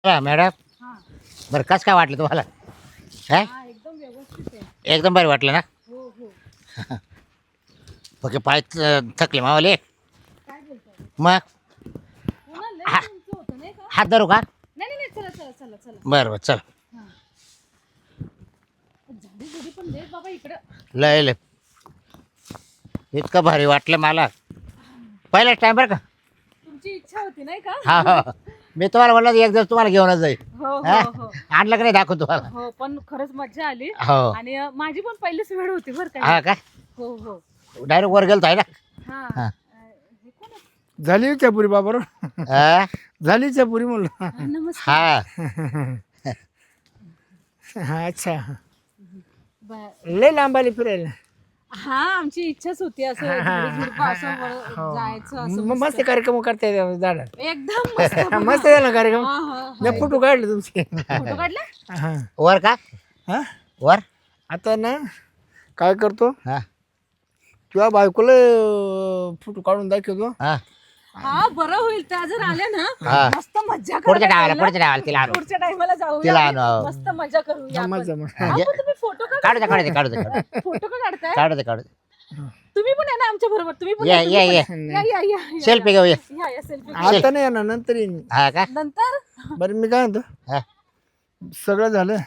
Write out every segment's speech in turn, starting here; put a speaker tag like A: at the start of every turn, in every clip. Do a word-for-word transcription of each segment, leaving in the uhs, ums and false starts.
A: हा, मॅडम
B: हां.
A: बरं कसं काय वाटलं तुम्हाला काय
B: हां, एकदम व्यवस्थित आहे.
A: एकदम बरं वाटलं ना
B: हो, हो.
A: ओके पाय थ- थकले मावले
B: काय बोलताय?
A: मग
B: हो ना, लय
A: हा
B: उंच होतं नाही का?
A: हात धरू का
B: नाही, नाही, नाही. चला, चला, चला, चला.
A: बरं बरं चल
B: हां. झाडी झुडी पण लय बाबा इकडं.
A: लय लय इतकं भारी वाटलं मला पहिलाच टाइम बरं का
B: तुमची इच्छा होती नाही का?
A: हा हा मी तुम्हाला म्हणलं एक दिवस तुम्हाला घेऊनच जाईल
B: हो,
A: हा?
B: हो, हो.
A: आणलं का नाही दाखवून तुम्हाला
B: हो, पण खरंच मज्जा आली.
A: हो
B: आणि अ, माझी पण पहिलीच वेळ होती बरं का.
A: हा
B: ही.
A: का
B: हो, हो.
A: डायरेक्ट वर गेलतो आहे ना
B: हां.
A: हा.
B: अ, हे कोण आहे?
C: झाली चपुरी बाबर
A: हा?
C: झाली चपुरी म्हणलं
B: हा, नमस्कार.
A: हा
C: हा अच्छा
B: ब-
C: लय लांब आली फिरायला
B: हा, आमची इच्छाच होती असं झाडी झुडपं असं वर जायचं असं
C: म- मस्त कार्यक्रम करता येते झाडात
B: एकदम मस्त बघा.
C: मस्त झाला कार्यक्रम
B: हा, हा, हा.
C: मी फोटो काढले तुमचे
B: फोटो काढला?
C: हा
A: वर का
C: हा
A: वर
C: आता ना काय करतो
A: हा
C: किंवा बायकोला फोटो काढून दाखवतो
A: हा
B: हा, बरं होईल त्या जर आल्या
A: हा.
B: ना मस्त मज्जा
A: पुढच्या
B: करायला
A: टायमाला पुढच्या टायमाला तिला आणू
B: पुढच्या टाइमला
A: तिला
B: जाऊया
A: आणू.
B: आणि मस्त मजा करूया आपण.
C: मजा मजा.
B: अहो, पण तुम्ही फोटो का
A: काढू दे काढू दे काढू दे काढू दे
B: फोटो का काढताय?
A: काढू दे काढू दे
B: तुम्ही पण या ना आमच्या बरोबर. तुम्ही पण
A: ये
B: तुम्ही
A: ये
B: पण
A: ये
B: या. या, या, या,
A: सेल्फी घेऊ ये
B: या, या, सेल्फी.
C: आता नाही येणार नंतर येईन
A: हा का
B: नंतर
C: बरं मी काय म्हणतो
A: हा
C: सगळं झालं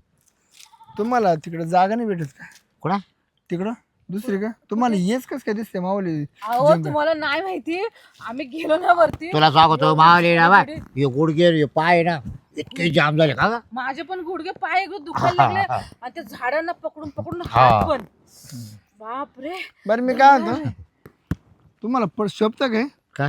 C: तुम्हाला तिकडं जागा नाही भेटत का
A: कुणा
C: तिकडं दुसरी का तुम्हाला येच कस काय दिसते माऊली
B: अहो तुम्हाला नाही माहिती आम्ही गेलो ना वरती.
A: तुला सांगतो मावली ना बा हे गुडघे हे पाय ना इतके जाम झाले का ग?
B: माझे पण गुडघे पाय गं दुखायला लागले आणि त्या झाडांना पकडून पकडून
A: हा.
B: हात पण बापरे.
C: बरं मी काय म्हणतो तुम्हाला पण शोभतं काय
A: काय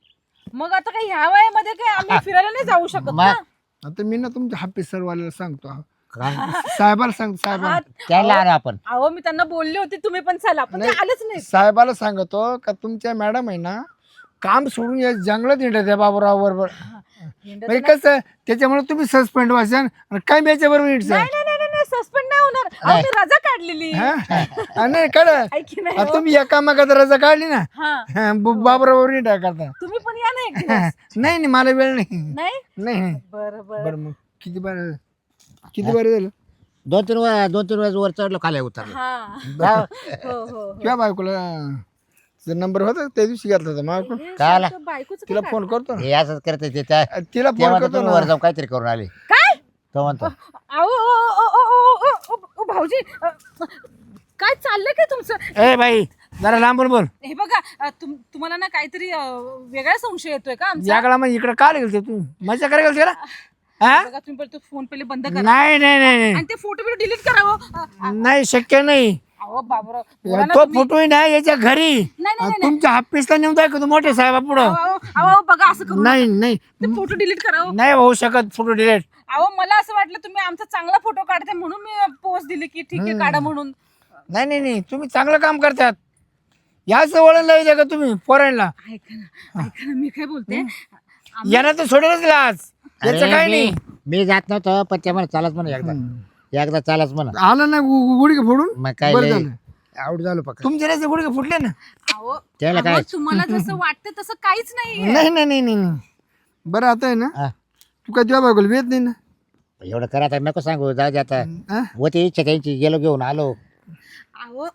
B: मग आता काय ह्या वयामध्ये काय आम्ही फिरायला नाही जाऊ शकत ना.
A: मग
C: आता मी ना तुमच्या हापीस सरवाल्याला सांगतो
A: काय
C: साहेबाला सांगतो साहेबाला
B: हात-
A: त्याला आणू आपण
B: अहो मी त्यांना बोलले होते तुम्ही पण चला पण ते आलेच नाही.
C: साहेबाला सांगतो का तुमच्या मॅडम आहे ना काम सोडून या जंगलात येणार त्या बाबूराव बरोबर
B: हिंडत
C: म्हणजे कसं त्याच्यामुळे तुम्ही सस्पेंड व्हायचं आणि काय याच्या बरोबर
B: नाही नाही नाही नाही सस्पेंड नाही होणार. अहो, मी रजा काढलेली.
C: नाही कळ
B: ऐकी नाही
C: आता
B: हो.
C: तुम्ही एका मागात रजा काढली ना
B: हा
C: बाबरावर नाही टाक करता
B: तुम्ही पण या ना एक दिवस.
C: नाही नाही मला वेळ नाही
B: नाही
C: नाही नाही.
B: बरं बरं
C: बरं मग किती बरं किती बरं झालं
A: दोन तीन वेळा दोन तीन वेळेस वर चढलो खाली उतरलो
B: हा
A: जाऊ.
B: हो हो हो.
C: किंवा बायकोला नंबर होता त्या दिवशी घेतला होता मग
B: हे
A: काय आला?
B: सारखं बायकोचं
C: तिला
B: काय
C: फोन करतो ना
A: हे असंच करते ते त्या
C: तिला
A: तेव्हा
C: फोन
A: तर
C: करतो
A: तुम्ही
C: ना
A: वर जाऊन काहीतरी करून आले
B: काय?
A: तो म्हणतो
B: अहो ओ, ओ, ओ, ओ, ओ, ओ, ओ, भाऊजी अ, काय चाललंय काय तुमचं?
C: ए बाई जरा लांबून बोल
B: हे बघा अ, तुम तुम्हाला ना काहीतरी अ, वेगळा संशय येतोय का आमचा?
C: याकडा मग इकडे काय गेलते तू मजा करायला गेलते ना हा
B: बघा तुम्ही पहिले तो फोन पहिले बंद करा
C: नाही नाही नाही नाही
B: आणि ते फोटो बिटो डिलीट करावं. अ,
C: नाही शक्य नाही
B: अहो बाबराव बोला ना
C: तो
B: तुम्ही.
C: फोटो आहे ना याच्या घरी
B: नाही नाही नाही
C: तुमच्या ऑफिसला नेऊन दाखवतो मोठे साहेबा पुढं
B: अहो, अहो, अहो, बघा असं करू
C: नाही नाही
B: ते फोटो डिलीट करावं.
C: नाही होऊ शकत फोटो डिलीट
B: अहो मला असं वाटलं तुम्ही आमचा चांगला फोटो काढते म्हणून मी पोस्ट दिली की ठीक आहे काढा म्हणून.
C: नाही नाही नाही तुम्ही चांगलं काम करतात याच वळण लावायचं का तुम्ही पोरांना
B: ऐका ना ऐका ना मी काय बोलते.
C: यांना तर सोडेलच लाज याचं
A: अरे,
C: काय
A: मी-
C: नाही
A: मी जात नव्हतो पण ते म्हणा चालच म्हणा एकदा एकदा चालच म्हणा
C: आलं ना गु- गु- गुडघे फोडून
A: मग काय
C: बरं
A: लय
C: झालं.
A: आऊट झालो पक्का
C: तुमचे त्याचे गुडघे फुटले ना
B: अहो
A: त्याला काय?
B: अहो, तुम्हाला जसं वाटतं तसं काहीच नाहीये.
C: नाही नाही नाही नाही नाही. बरं आता आहे ना
A: हा.
C: तू काय तुझ्या बायकोला वेत नाही ना
A: एवढं करा आता नको सांगू जाऊ दे आता
C: हा?
A: होती इच्छा त्यांची गेलो घेऊन आलो
B: अहो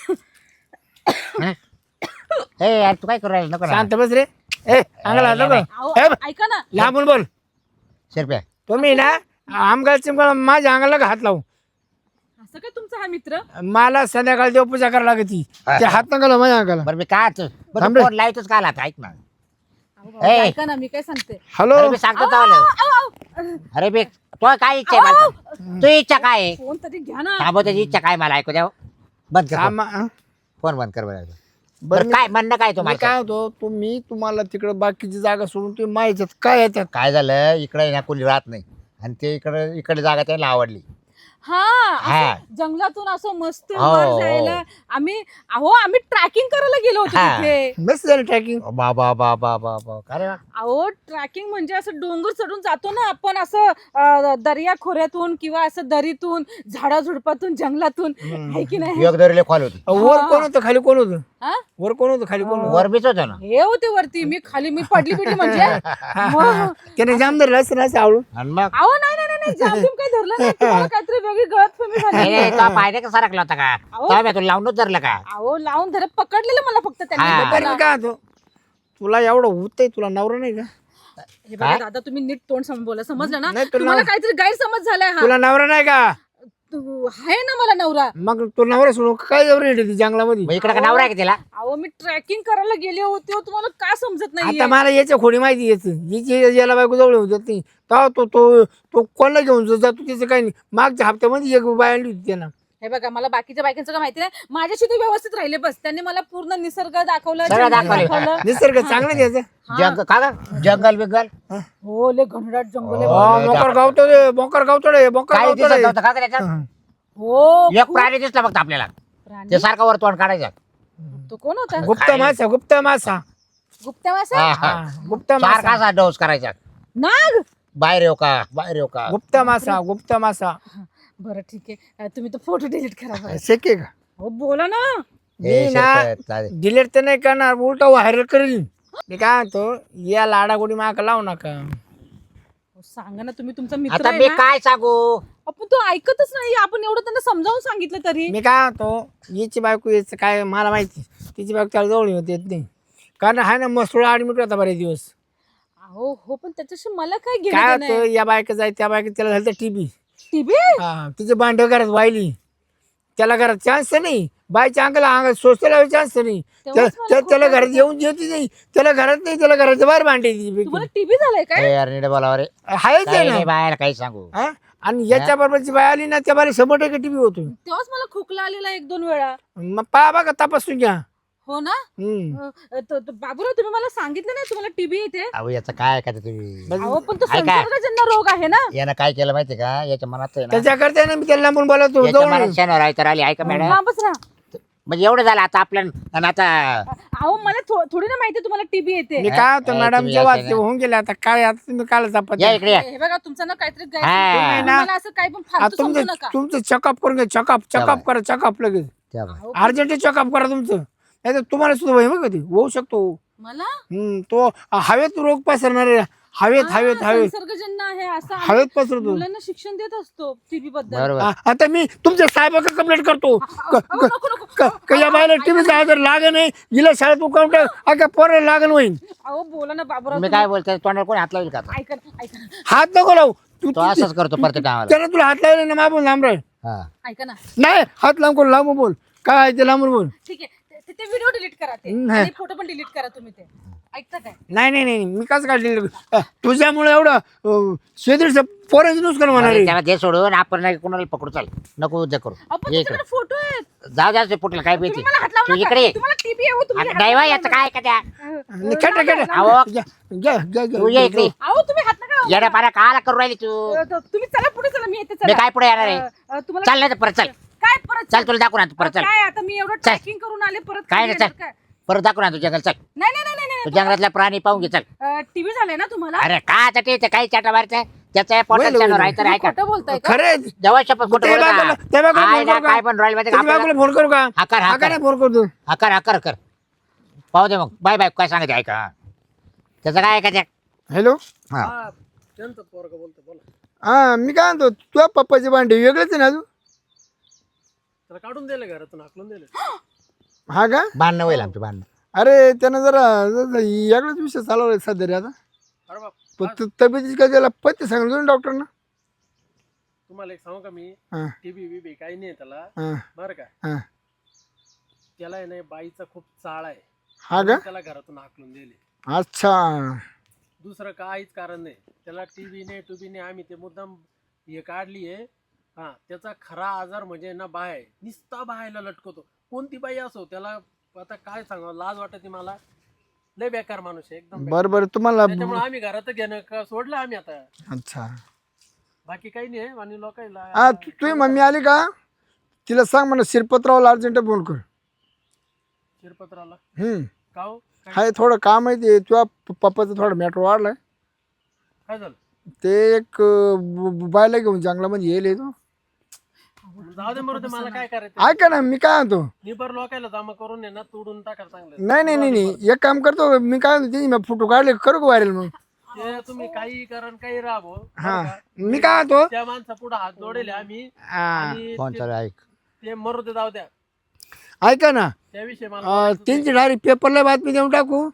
A: हा? ए यार तू काय करू राहिला नको ना
C: शांत बस रे ए अंगला नको
B: अहो
C: ए,
B: ऐका ना
C: लांबून बोल
A: शिरप्या
C: तुम्ही ना आमगाल चिमगाल माझ्या अंगाला हात लावू
B: असं काय तुमचा हा मित्र?
C: मला संध्याकाळी देवपूजा करायला लागती ते हात नका माझ्या अंगाला
A: बरं मी काय
C: थांब रे.
A: फोन लावतोच का आला आता ऐक ना
B: अहो, भाऊ,
A: ए.
B: ऐका ना मी काय सांगते.
C: हॅलो
A: अरे मी सांगतो
B: अहो,
A: चावलं
B: अहो, अहो,
A: अरे बे तो काय इच्छा आहे मला तू इच्छा काय आहे
B: फोन तरी घ्या ना.
A: थांबव त्याची इच्छा काय मला ऐकू द्या बंद कर phone.
C: आमा- हा?
A: फोन बंद कर बरं
C: बरं
A: बरं
C: मी-
A: काय म्हणणं काय
C: मी
A: तुम्हाला
C: काय होतो तुम्ही तुम्हाला तिकडं बाकीची जागा सोडून तुम्ही माहिती काय येतात
A: काय झालं इकडे ना कोणी राहत नाही आणि ते इकडे इकडे जागा त्यांना आवडली
B: हा
A: हा.
B: असं जंगलातून असं मस्त
A: हो,
B: वर
A: हो.
B: जायला आम्ही अहो आम्ही ट्रॅकिंग करायला गेलो होतो
A: हा.
B: तिथे.
C: मस्त झालं ट्रॅकिंग.
A: बाबा बाबा बाबा अरे वा.
B: अहो ट्रॅकिंग म्हणजे असं डोंगर चढून जातो ना आपण असं अं, दर्या खोऱ्यातून किंवा असं दरीतून झाडाझुडपातून जंगलातून आहे की नाही.
A: एक दरीले कॉल होती
C: वर कोण होतं खाली कोण होतं?
B: हा?
C: वर कोण होतं खाली कोण होतं?
A: वर बीच होतं ना.
B: हे होते वरती मी खाली मी पडली पिटी म्हणजे मग-
C: त्याने जाम धरलं असं असं आवडून.
A: आणि मग
B: अहो नाही नाही नाही, नाही जाम बिम काही धरलं नाही तुम्हाला काहीतरी वेगळी गळतफहमी
A: नाही,
B: झाली.
A: नाही, तो पायदे का सरकला होता का
B: अहो.
A: तो तुला लावूनच धरलं का
B: अहो लावून धरत पकडलेलं मला फक्त
A: हा.
B: त्यांनी
C: बरं मी काय होतो तुला एवढं होतंय तुला नवरा नाही का?
B: हे बघा
A: काय?
B: दादा तुम्ही नीट तोंड समोर बोला समजलं ना
C: नाही, तुला-
B: तुम्हाला काहीतरी गैरसमज झालाय हा
C: तुला नवरा नाही का?
B: तू आहे ना मला नवरा.
C: मग तू नवरा सोडून काय एवढं येते जंगलामध्ये?
A: मग इकडे का नवरा आहे का तिला
B: अहो मी ट्रॅकिंग करायला गेले होते हो, तुम्हाला का समजत नाही
C: आता मला याच्या खोडी माहिती याच हिची याला बायको जवळ होत नाही तेव्हा तो तो तो कोणाला घेऊन जातो त्याचं काही नाही. मागच्या हप्त्यामध्ये एक बाय आणली होती त्यानं.
B: हे बघा मला बाकीच्या बायकांचं काय माहिती नाही माझ्याशी ते व्यवस्थित राहिले बस त्यांनी मला पूर्ण निसर्ग दाखवलं
A: सगळं
B: जंगल
A: दाखवलं.
B: दाखवलं.
C: निसर्ग चांगलं द्यायचं.
A: जंग का ग? जंगल बिंगल
B: हो लय घनदाट जंगल आहे.
C: हो, मोकर गावतो रे मोकर गावतो रे मोकर
A: काही
C: गावतो
A: दिसत
C: रे.
A: नव्हतं का त्याच्यात
B: हो
A: एक प्राणी दिसला फक्त आपल्याला
B: प्राणी?
A: ते सारखा वर तोंड काढायचं
B: तो कोण होता
C: गुप्त मासा गुप्त मासा
B: गुप्ता मासा
A: हा, हा.
C: हा, गुप्त
A: सारखा
C: मासा
A: असा डोस करायचा
B: नाग.
A: बाहेर येऊ का बाहेर येऊ का
C: गुप्त मासा गुप्त मासा
B: बरं ठीक आहे अं, तुम्ही तो फोटो डिलीट करा बरं.
C: शक्य का?
B: हो बोला ना.
A: ए,
C: मी ना
A: शिरपत, चालेल.
C: डिलीट तर नाही करणार उलटा व्हायरल करील. मी काय म्हणतो या लाडागोडी माग लावू नका.
B: हो, सांगा ना तुम्ही तुमचा मित्र
A: आता
B: आहे
A: मी
B: ना.
A: काय सांगू
B: आपण तो ऐकतच नाही आपण एवढं त्यांना समजावून सांगितलं तरी.
C: मी काय म्हणतो हिची बायको याचं काय मला माहिती तिची बायको त्याला जवळ होत येत नाही कारण हा ना मसुळा ॲडमिट होता बरेच दिवस.
B: अहो हो पण त्याच्याशी मला काय
C: काय
B: घेणं देणं
C: होतं
B: आहे?
C: या बायका जाय त्या बायका त्याला झालं टीबी.
B: टीबी
C: हा तिचे भांडे घरात वाहिली त्याला घरात चान्स नाही बायच्या अंगाला अंगात सोसायला चान्स नाही त्या-
B: तेव्हाच मला
C: त्या- त्याला
B: खोटं
C: घरात येऊन देते नाही त्याला घरात नाही त्याला घराच्या बाहेर भांडे
B: तुम्हाला टीबी झालाय काय?
A: ए, यार नीट बोलावं रे
C: आहेच
A: काही
C: आहे
A: नाही
C: ना
A: बाहेर काही सांगू
C: हा? आणि याच्या बरोबरची बाय आली ना त्या बारी शंभर टक्के टीबी होतो.
B: तेव्हाच मला खोकला आलेला एक दोन वेळा.
C: मग पहा बघा तपासून घ्या.
B: हो ना.
C: हम्म.
B: अं, तो- तो बाबूराव तुम्ही मला सांगितलं नाही तुम्हाला टीबी येते.
A: अहो याचं काय का तुम्ही
B: अहो पण तो
A: ऐका.
B: संसर्गजन्य रोग आहे ना.
A: यानं काय केलं माहितीये का याच्या मनात आहे ना
C: त्याच्याकरता ना मी त्याला लांबून बोलवतो
A: याच्या
C: जवळ
A: मनात शनिवार आहे तर आली ऐका मॅडम
B: लांबच राहा.
A: म्हणजे एवढं झालं आता आपल्या आणि आता
B: अहो मला थो- थोडी ना माहिती तुम्हाला टीबी येते.
C: मी काय होतो
A: ए,
C: मॅडम
A: तुम्ही
C: जेव्हा
A: असं
C: ते होऊन गेले आता काय आता तुम्ही काल तपास
A: या इकडे या.
B: हे बघा तुमचं ना काहीतरी
A: हा.
B: गैरसमज
C: तुम्ही ना-
B: मला असं काही पण फालतू समजू
C: तुमचं
B: नका.
C: तुमचं चेकअप करून घ्या चेकअप चेकअप करा चेकअप लगेच
A: त्या बा.
B: अहो,
C: अर्जंट चेकअप करा तुमचं नाही तर तुम्हाला सुद्धा वय मग कधी होऊ शकतो.
B: मला
C: हम्म, तो हवेत रोग पसरणार आहे. हवेत
B: हा,
C: हवेत हवेत
B: संसर्गजन्य आहे असं आम्ही
C: हवेत पसरतो.
B: मुलांना शिक्षण देत असतो टीबी बद्दल.
A: बरोबर
C: आ- आता मी तुमच्या साहेबाकडे कंप्लेंट करतो क-
B: अहो, नको, नको.
C: क- क- या बायला टीव्हीचा आजार लागण नाही हिला शाळेत उकावट अगं पोराला लागण होईल.
B: अहो बोला ना बाबूराव
A: मी
B: तुम्ही.
A: काय बोलतोय तोंडाला कोणी हात लावेल का आता?
B: ऐका ना, ऐका ना,
C: हात नको लावू तू
A: तो असंच करतो प्रत्येक कामाला
C: त्यानं तुला हात लावले ना मागून लांब राहील.
A: हा
B: ऐका ना.
C: नाही हात लांब करून लांब बोल काय आहे ते लांबून बोल.
B: ठीक आहे ते- ते व्हिडिओ डिलीट करा ते
C: नाही.
B: आणि फोटो पण डिलीट करा तुम्ही ते. ऐकता काय?
C: नाही नाही नाही मी कसं काढले तुझ्यामुळे एवढं शेतीचं पोरांचं नुकसान होणार
A: अरे
C: आहे.
A: त्याला दे सोडून आपण नाही कोणाला पकडू चाल नको उद्या करू
B: आपण
A: ये इकडे
B: त्याच्याकडे फोटो आहेत.
A: जाऊ द्या ते पोटला काय भीती
B: तुम्ही मला हात लावू
A: तू
B: नका.
A: इकडे ये.
B: तुम्हाला टीबी आहे हो, तुम्ही
A: आता
B: हात
A: नाही
B: नका
A: बा, याचं काय का त्या
B: लावू.
C: आणि खेट खेट
A: अहो
C: घ्या घ्या घ्या
A: तू ये इकडे
B: अहो तुम्ही हात नका लावू.
A: येड्या पाऱ्या काला करू राहिली तू
B: अ, त- तुम्ही चला पुढे चला मी येते
A: मी
B: चला.
A: काय पुढे येणार आहे
B: अ, अ, तुम्हाला
A: चल नाही तर परत चल
B: काय परत
A: चल तुला दाखवून आणतो परत चल
B: काय आता मी एवढं ट्रॅकिंग करून आले परत
A: काय
B: खाली
A: नाही
B: येणार
A: चल परत दाखवून आणतो जंगल चल
B: नाही नाही नाही नाही
A: तू जंगलातला प्राणी पाहून घे चल
B: टीव्ही झालाय ना तुम्हाला.
A: अरे का आता ते काही चाटा मारते त्याचा
C: वैल,
A: पोटात
C: वैल.
A: शनिवार आहे तर
B: तुम्ही
A: ऐका
B: खोटं बोलताय का?
C: खरे
A: जवळ शपथ कुठं
C: त्या
A: बोलू
C: बाजूला-
A: का?
C: त्या बाजूला
A: आहे
C: फोन
A: ना,
C: करू का?
A: काय पण रॉयल मध्ये
C: त्याच्या बायकोला फोन करू का
A: हाकार
C: हा का
A: हाकार
C: नाही फोन करतो.
A: हाकार हाकार कर पाहू दे मग बाय बाय काय सांगायचं ऐका त्याचं काय ऐकायचं
C: हॅलो
A: हा
C: हा मी काय म्हणतो तुझ्या पप्पाचे भांडे वेगळेच आहे ना अजून
D: त्याला काढून दिलं घरातून हाकलून दिलं.
C: हा का
A: भांडणं होईल आमचं भांडणं
C: अरे त्यानं जरा जरा वेगळाच विषय चालवलाय सध्या रे आता
D: अरे बाप
C: पण तू तब्येतीची काय त्याला पत्ते सांगितलं ना डॉक्टरना.
D: तुम्हाला एक सांगू का मी
C: हा
D: टीबी बीबी काही नाही त्याला
C: हा
D: बरं का
C: हा
D: त्याला आहे ना बाईचा खूप चाळ आहे
C: हा का
D: म्हणून त्याला घरातून हाकलून दिले.
C: अच्छा
D: दुसरं काहीच कारण नाही त्याला टीबी नाही टुबी नाही आम्ही ते मुद्दाम हे काढली आहे. हा त्याचा खरा आजार म्हणजे ना बाय निस्ता बायला लटकवतो कोणती बाई असो त्याला आता काय सांगावं लाज वाटते मला लय बेकार माणूस आहे एकदम बेकार.
C: बरं बरं तुम्हाला
D: त्याच्यामुळे आम्ही घरात घेणं का सोडलं आम्ही आता.
C: अच्छा
D: बाकी काही नाही आणि
C: हा
D: लोकांना
C: तू तुझी मम्मी आली का तिला सांग म्हणा शिरपतरावला अर्जंट फोन कर.
D: शिरपत्राला
C: हम्म
D: का हो? काय
C: हाय थोडं काम आहे ते तुझ्या पप्पाचं थोडं मॅटर वाढलाय.
D: काय झालं?
C: ते एक अं, ब- बायला घेऊन जंगलामध्ये येईल तो.
D: जाऊ दे मरू मला काय करायचं.
C: ऐका ना मी काय म्हणतो
D: निबर लोकायला जमा करून आहे ना तोडून टाकायला चांगलं.
C: नाही नाही नाही नाही एक काम करतो मी काय म्हणतो ते मी फोटो काढले करू का व्हायरल मग.
D: ते तुम्ही काही करा आणि काही राहा
C: हा मी काय म्हणतो
D: त्या माणसा पुढे हात जोडेल आम्ही
C: हा,
D: आणि
A: फोन
D: ते-
A: चालू आहे, ऐक.
D: ते मरू दे जाऊ द्या
C: ऐका ना
D: त्याविषयी मला
C: अं,
D: बोलायचं
C: त्यांची डायरेक्ट पेपरला बातमी देऊन टाकू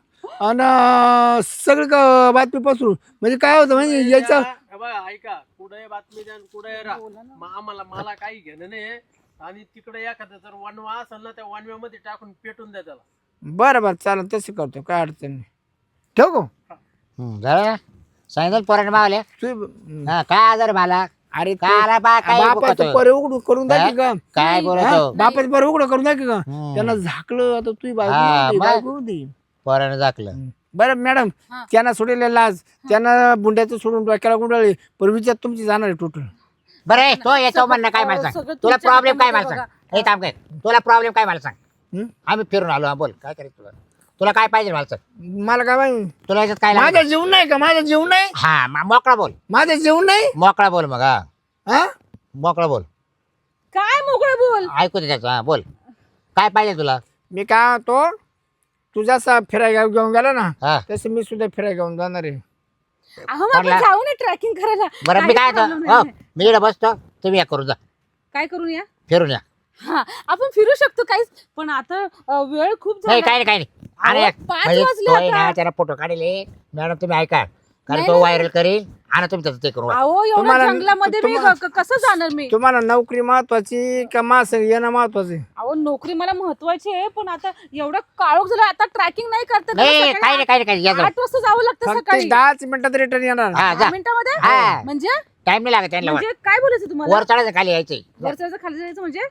C: आणि सगळं क- बातमी पसरू म्हणजे काय होतं म्हणजे
D: नाही.
C: याचं
D: हे बघा ऐका कुठे बातमी द्या कुठे राहा मग आम्हाला मला काही घेणं नाही आणि तिकडे एखादा जर वनवा असेल ना त्या वनव्यामध्ये टाकून पेटून द्या त्याला.
C: बरं बरं चालेल तसं करतो काय अडचण नाही ठेव गो
A: हम्म, झालं ना? सांगितलं पोराने मावल्या
C: तू
A: हा काय आजार मला
C: अरे ते
A: काय आला बा काय
C: बापाचं
A: बोकतो?
C: पर उघड करून दाखी का
A: काय बोलतो
C: बापाचं पर उघड करून दाखी का
A: हम्म.
C: त्यांना झाकलं आता तुझी बायको
A: हा,
C: नव्हती,
A: मग?
C: बायको होती.
A: पोराने दाखलं.
C: बरं मॅडम
B: हा.
C: त्यांना सोडलेला लाज त्यांना बुंड्याचं सोडून डोक्याला गुंडाळले पण विचार तुमची जाणार आहे टोटल.
A: बरं ए, तो याच्या म्हणणं काय मला
B: सगळं
A: सांग तुला
B: तुमच्या
A: प्रॉब्लेम काय मला
B: हातामध्ये
A: सांग हे थांब काय तुला प्रॉब्लेम काय मला सांग.
C: हं?
A: आम्ही फिरून आलो हा, बोल काय करायचं तुला तुला काय पाहिजे मला सांग.
C: मला काय माहिती
A: तुला याच्यात काय
C: माझं
A: लागलं?
C: जेवण नाही का माझं जेवण नाही
A: हा मा- मोकळा बोल
C: माझं जेवण नाही
A: मोकळा बोल मग हा
C: हा
A: मोकळा बोल
B: काय मोकळं बोल.
A: ऐकू दे त्याचं हा बोल काय पाहिजे तुला.
C: मी काय तो तू जसा फिरायला घेऊन गेला ना
A: हा
C: तसं मी सुद्धा फिरायला घेऊन जाणार आहे.
B: अहो मग आपण
A: पडला.
B: जाऊ ना ट्रॅकिंग करायला.
A: बरं मी काय
B: काही problem
A: आता- हो,
B: नाही.
A: मी इकडे बसतो तुम्ही या करून जा
B: काय करून या
A: फिरून या.
B: हा आपण फिरू शकतो काहीच पण आता अ, वेळ खूप
A: नाही
B: झाला.
A: काय नाही काय नाही अरे
B: अहो, पाच
A: म्हणजे
B: वाजले
A: तो आहे
B: आता.
A: ना त्याला फोटो काढले मॅडम तुम्ही ऐका कारण
B: नाही,
A: तो
B: नाही,
A: व्हायरल करील आणि तुम्ही त्याचं ते करू
B: अहो एवढ्या
C: तुम्हाला-
B: जंगलामध्ये मी
C: तुम्हाला-
B: क- क- कसं जाणार मी.
C: तुम्हाला नोकरी महत्वाची का मास येणं महत्वाचं आहे?
B: अहो नोकरी मला महत्वाची आहे पण आता एवढं काळोख झालं आता ट्रॅकिंग नाही करता येत.
A: नाही
B: सकाळी
A: काही नाही काही नाही काही या जाऊ.
B: आठ वाजता जावं लागतं
C: फक्त
B: सकाळी
C: दहाच मिनिटात रिटर्न येणार.
A: हा
B: दहा
A: जा
B: मिनिटामध्ये
A: हा.
B: म्हणजे
A: टाइम नाही लागत त्यांना
B: म्हणजे काय बोलायचं तुम्हाला
A: वर चढायचं खाली यायचे
B: वरचं खाली जायचं म्हणजे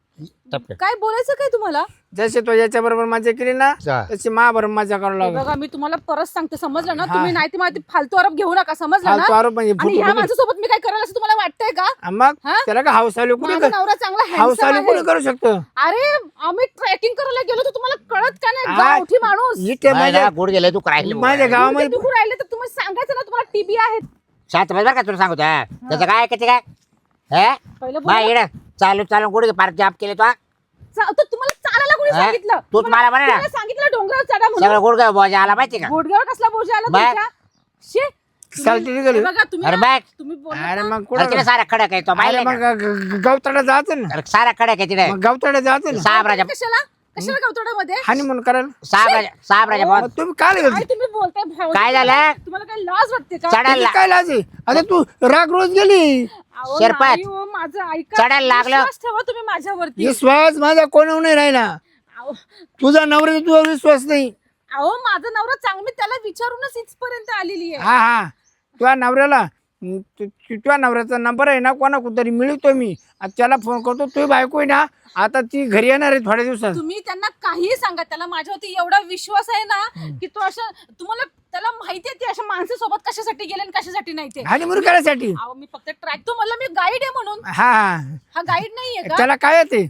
A: टपकन.
B: काय बोलायचं काय तुम्हाला.
C: जसे तो याच्या बरोबर मजा केली ना
A: जा.
C: तशी महाबरोबर मजा करावं
B: हे
C: लागेल.
B: बघा मी तुम्हाला परत सांगते समजलं ना
C: हा.
B: तुम्ही नाही ती माहिती फालतू आरोप घेऊ नका समजलं
C: फालतू
B: ना.
C: आरोप म्हणजे
B: आणि
C: फुटू
B: ह्या
C: फुटू.
B: माणसासोबत मी काय करायला असं तुम्हाला वाटतंय का.
C: हा, मग
B: हा?
C: त्याला का हाऊस आली कुणी
B: माझा नवरा चांगला
C: हाऊस
B: handsome
C: आली कुणी
B: आहे.
C: करू शकतो.
B: अरे आम्ही ट्रेकिंग करायला गेलो तर तुम्हाला कळत का नाही
C: हा.
B: गावठी माणूस.
C: इथे
A: नाही
C: माझ्या
A: ना, गुड गेले तू राहिले
C: माझ्या गावामध्ये
B: गुडघे दुखू राहिले तर तुम्ही सांगायचं ना तुम्हाला टीबी आहेत.
A: शांत बस बरं का तुला सांगतो हा. त्याचं काय ऐकायचं काय हे
B: पहिलं
A: बाय
B: बोला.
A: इकडं चालू चालू गुड पार्क जाप केले तो
B: चा- तर तुम्हाला चालायला कोणी
A: हा?
B: सांगितलं.
A: तूच
B: तुम्हाला-
A: मला म्हणा ना.
B: तुम्हाला सांगितलं डोंगरावर चढा म्हणून.
A: सगळं गुड बोजा आला माहिती का
B: गुडघ्यावर कसला बोजा आला
A: बाय.
B: तुमच्या. शे.
C: चालती निघाली.
B: हे बघा तुम्ही
A: अरे
B: ना-
A: बाय
B: तुम्ही बोलला
C: अरे
B: ना.
C: मग
A: अरे
C: कुठं
A: तिला सारा खडक आहे तो
C: अरे
A: माहिती
C: मग ग- ग- गवताडा जायचं ना
A: अरे सारा खडक आहे तिथे
C: मग गवताडा जायचं ना
A: साहेब राजा
B: कशाला कशाला गवतोड्यामध्ये.
C: हानी म्हणून करायला
A: साहेब राजा साहेब राजा
C: मग
A: बोल
C: तुम्ही काय
B: काय
C: गेलती?
B: तुम्ही बोलताय भाऊ?
A: काय झालं?
B: तुम्हाला काय लाज वाटते का.
A: चढायला
C: काय लाज आहे? अरे तू राग रोज गेली
B: अहो,
A: शिरपत.
B: नाही हो, माझं ऐका.
A: चढायला लागलं.
B: विश्वास ठेवा तुम्ही माझ्यावरती.
C: विश्वास माझा कोणावर नाही राहिला.
B: अहो
C: तुझा नवरा तुझा विश्वास नाही.
B: अहो, माझा नवरा चांगला मी त्याला विचारूनच इथपर्यंत आलेली आहे.
C: हा हा तुझ्या नवऱ्याला तु- तु- तुझ्या नवऱ्याचा नंबर आहे ना कोणा कुठतरी मिळतो मी आणि त्याला फोन करतो तुझी बायको आहे ना आता ती घरी येणार आहे थोड्या दिवसात.
B: तुम्ही त्यांना काही सांगा त्याला माझ्यावरती एवढा विश्वास आहे ना की तो असं तुम्हाला त्याला माहिती आहे ते अशा माणसासोबत कशासाठी गेले आणि कशासाठी नाही ते.
C: आणि मुली करायसाठी
B: अहो मी फक्त ट्रॅक तो मला मी गाईड आहे म्हणून.
C: हा हा
B: हा गाईड नाहीये का
C: त्याला काय येते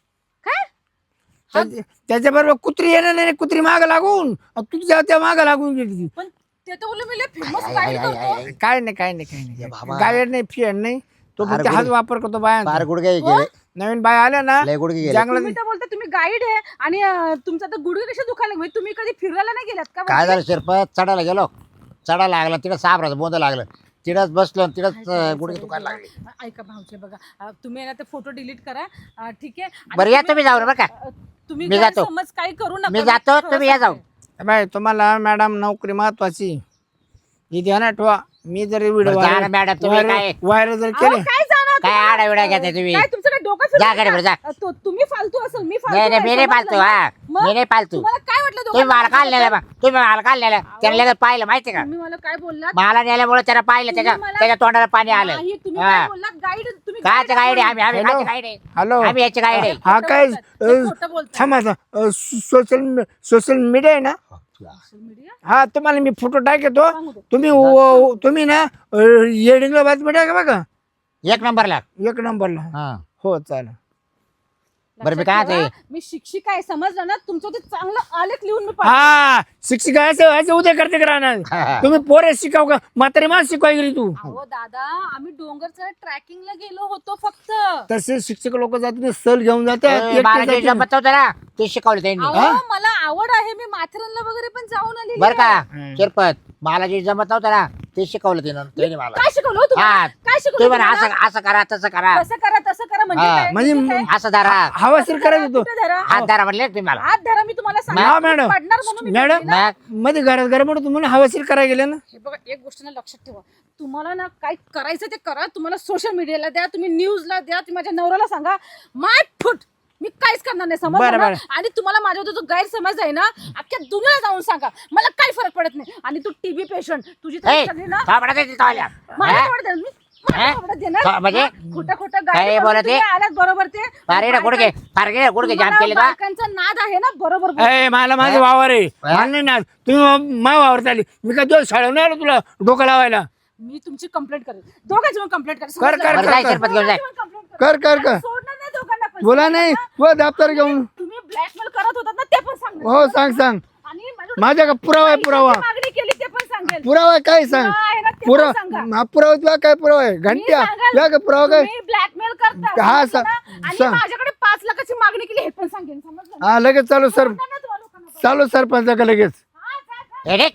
B: काय.
C: त्याच्या बरोबर कुत्री येणार नाही कुत्री माग लागून तुझ्या त्या माग लागून गेली ती.
B: पण ते तर बोलले मी फेमस गाईड करतो.
C: काय नाही काय नाही काय नाही
A: बाबा.
C: गायड नाही फिअर नाही तो
A: फार
C: फक्त हाच
A: गुड-
C: वापर करतो बाया
A: फार गुडघे
B: हो?
A: गेले
C: नवीन बाय आल्या ना
A: लय गुडघे गेले
C: जंगलात
B: तुम्ही तर बोलता तुम्ही गाईड आहे आणि अं, तुमचा तर गुडघे कसे दुखायला लागले? तुम्ही कधी फिरायला नाही गेलात का
A: काय झालं शिरपत चढायला गेलो चढायला लागला तिथं साहेब राजा बोंद लागलं तिथंच बसलो आणि तिथंच अं, गुडघे दुखायला लागले.
B: ऐका भाऊचे बघा अं, तुम्ही ना ते फोटो डिलीट करा अं, ठीक आहे आणि
A: बरं या
B: तुम्ही-
A: तुम्ही जाऊ बरं का
B: अं, तुम्ही
A: मी जातो.
B: समज काही करू नका
A: मी जातो
B: खरं
A: तुम्ही या
B: सांगते.
A: जाऊ
C: बाय तुम्हाला मॅडम नोकरी महत्वाची ही ध्यानात ठेवा. मी जर व्हिडिओ
A: बरं, जा ना मॅडम, तुम्ही काय-
C: व्हायरल जर
B: अहो,
C: केले
B: काय जाणार
A: काय
B: तुम्हाला?
A: आडाविडा घेताय तुम्ही?
B: काय तुमचं काय डोकं
A: जा
B: फिरलं
A: घरी बरं, जा.
B: का? तो- तुम्ही फालतू असेल मी फालतू
A: नाही नाही
B: आहे,
A: मी नाही
B: समजलं
A: पालतू
B: ना?
A: हा
B: मग
A: मी नाही पालतू
B: तुम्हाला काय वाटलं
A: तुम्ही मला
B: दोघांना
A: काल नेलं
B: माझ्याबद्दल?
A: बा तुम्ही मला काल नेलं त्याला लगेच पाहिलं माहिती का
B: तुम्ही मला काय बोललात
A: मला नेल्यामुळे त्याला पाहिलं त्याच्या
B: तुम्ही मला-
A: त्याच्या तोंडाला पाणी आलं
B: नाही, तुम्ही
A: हा.
B: काय बोललात गाईड तुम्ही
A: काय
B: guide
A: गाईड आहे
B: बोललात.
A: आम्ही आम्ही
C: हॅलो.
A: काय गाईड आहे
C: हॅलो
A: आम्ही याची गाईड आहे
C: हा
B: खोटं
C: काय
B: बोलताय, ते खोटं बोलताय.
C: थांबा सोशल सोशल मीडिया आहे ना
B: सोशल मीडिया
C: हा तुम्हाला मी फोटो टाकतो
B: सांगू दे.
C: तुम्ही व- तुम्ही ना येडिंगला बातमी टाका बघा
A: एक नंबरला
C: एक नंबरला
A: हा
C: हो चालेल.
A: बरं मी
B: लक्षात
A: काय
B: ठेवा,
A: ते
B: मी शिक्षिका आहे समजलं ना तुमचं ते चांगलं आलेख लिहून मी पाठवते.
C: हा शिक्षिका असं असं उद्या करते का राहणार तुम्ही पोरे शिकाव का म्हातारे माणूस शिकवाय गेली तू.
B: अहो दादा आम्ही डोंगरच्या ट्रॅकिंगला गेलो होतो फक्त.
C: तसे शिक्षक लोक जातात सल घेऊन जातात
A: ए,
C: एकटे
A: मला जे
C: जातात.
A: जमत होतं ना ते शिकवलं त्यांनी
B: अहो मला आवड आहे मी माथेरानला वगैरे पण जाऊन आलेली
A: बरं का
B: आहे.
A: शिरपत मला जे जमत नव्हतं ना ते शिकवलं त्यानं त्यांनी मला
B: काय शिकवलं हो तुम्हाला?
A: हा
B: काय
A: तुम्ही
B: शिकवलं
A: म्हणा
B: तुम्हाला?
A: असं असं करा तसं करा
B: कसं करा तसं करा म्हणजे
A: हा,
B: काय?
C: म्हणजे
B: म्हणजे काय?
A: असं धरा
C: हवाशीर करायचं होतो.
B: कुठे धरा?
A: हात धरा म्हणले तुम्ही मला
B: हात धरा मी तुम्हाला
C: हा
B: सांगितलं,
C: मॅडम
B: पडणार म्हणून मी
C: मॅडम
B: बोलली ना.
A: मग
C: मध्ये घरात घरा म्हणून तुम्हाला हवाशीर करायला गेले ना.
B: हे बघा एक गोष्ट ना लक्षात ठेवा तुम्हाला ना काय करायचं ते करा. तुम्हाला सोशल मीडियाला द्या तुम्ही न्यूजला द्या तुम्ही माझ्या नवऱ्याला सांगा माय फुट मी काहीच करणार नाही
C: बरं,
B: समजलं ना?
C: बरं.
B: आणि तुम्हाला माझ्यावर जो गैरसमज आहे ना अख्ख्या दुनियाला जाऊन सांगा मला काही फरक पडत नाही. आणि तू टीबी पेशंट तुझी
A: ए,
B: तब्येत सगळी ना
A: थोबाडात येते तोल्या.
B: मला
A: हा?
B: थोडं द्या, मी- मला
A: हा?
B: थोडं देणार.
A: थो- म्हणजे?
B: हा? खोटं खोटं
A: काय
B: गाडी
A: बोलत
B: तुम्ही
A: आहे?
B: आलात बरोबर ते
A: फार रे गुडघे फार गे गुडघे जाम
B: तुम्हाला
A: केले का
B: बायकांचा नाद आहे ना बरोबर बोल.
C: ए मला माझे वावर आहे मला नाही ना तुम्ही मा वावर चालली मी काय दिवस शाळा नाही आलो तुला डोकं लावायला.
B: मी तुमची कंप्लेंट करेन दोघांची पण कंप्लेंट करेन
C: कर, कर,
A: बरं, जाय शिरपत घेऊन जाय.
C: कर कर कर
B: सोडणार नाही दोघांना पण.
C: बोला नाही तू दप्तर घेऊन
B: तुम्ही ब्लॅकमेल करत होतात ना ते पण सांगणार.
C: हो सांग सांग
B: आणि माझ्याकडे
C: माझ्या का पुरावा आहे पुरावा
B: पैशाची मागणी केली ते पण सांगेल.
C: पुरावा आहे काय सांग
B: पुरावा आहे ना, ते पण
C: पुरावा
B: सांगा.
C: हा पुरावा तुला काय पुरावा आहे घंट्या तुला काय पुरावा काय
B: तुम्ही ब्लॅकमेल करता
C: हा,
B: समजलं ना?
C: सांग,
B: आणि
C: सांग.
B: माझ्याकडे पाच लाखाची मागणी केली हे पण सांगेन समजलं ना?
C: हा लगेच चालू सर
B: सोडणार नाही तुम्हाला लोकांना पण.
C: चालू सरपंच का लगेच
B: हा, जा, जा.
A: ए, रे.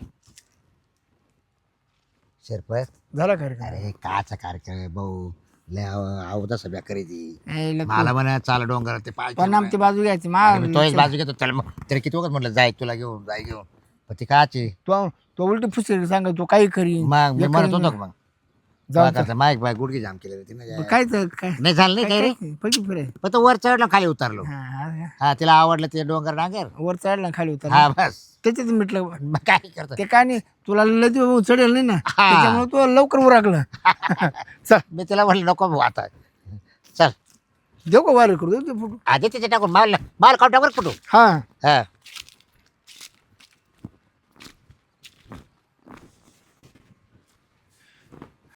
A: शिरपत
C: झाला कार्यक्रम.
A: अरे काचा कार्यक्रम भाऊ लय आवता सभ्या करीती
C: ए, लग-
A: मला म्हणा चाल डोंगर ते पाय
C: पण आमची बाजू घ्यायची मा
A: अरे मी तोच बाजू घेतो त्याला मग तरी किती वखत म्हटलं जाय तुला घेऊन जाय घेऊन पण ती काची
C: तो तो उलटी फुसरी सांग तू काही करी
A: मग मी
C: हे
A: म्हणत
C: करीन.
A: होतो का मग
C: जाऊ
A: काय करता माईक बाय गुडघे जाम केले तिने
C: मग काय तर काय
A: नाही झालं नाही काय रे
C: काय- पलटी फिराय.
A: पण तो वर चढलो खाली उतरलो
C: हा, हा,
A: हा तिला आवडलं ते डोंगर डांगर
C: वर चढला खाली उतर
A: हा बस
C: त्याच्यात मिटलं
A: मग काय करतो
C: ते काय नाही तुला लय चढेल नाही ना
A: हा.
C: त्याच्यामुळे तू लवकर उराकलं चल
A: मी तिला म्हणलं नको भाऊ आता चल
C: देऊ का वार करू देऊ ते फोटो
A: आधी तिथे टाकून माल माल काउंटावर कुठू
C: हा
A: हा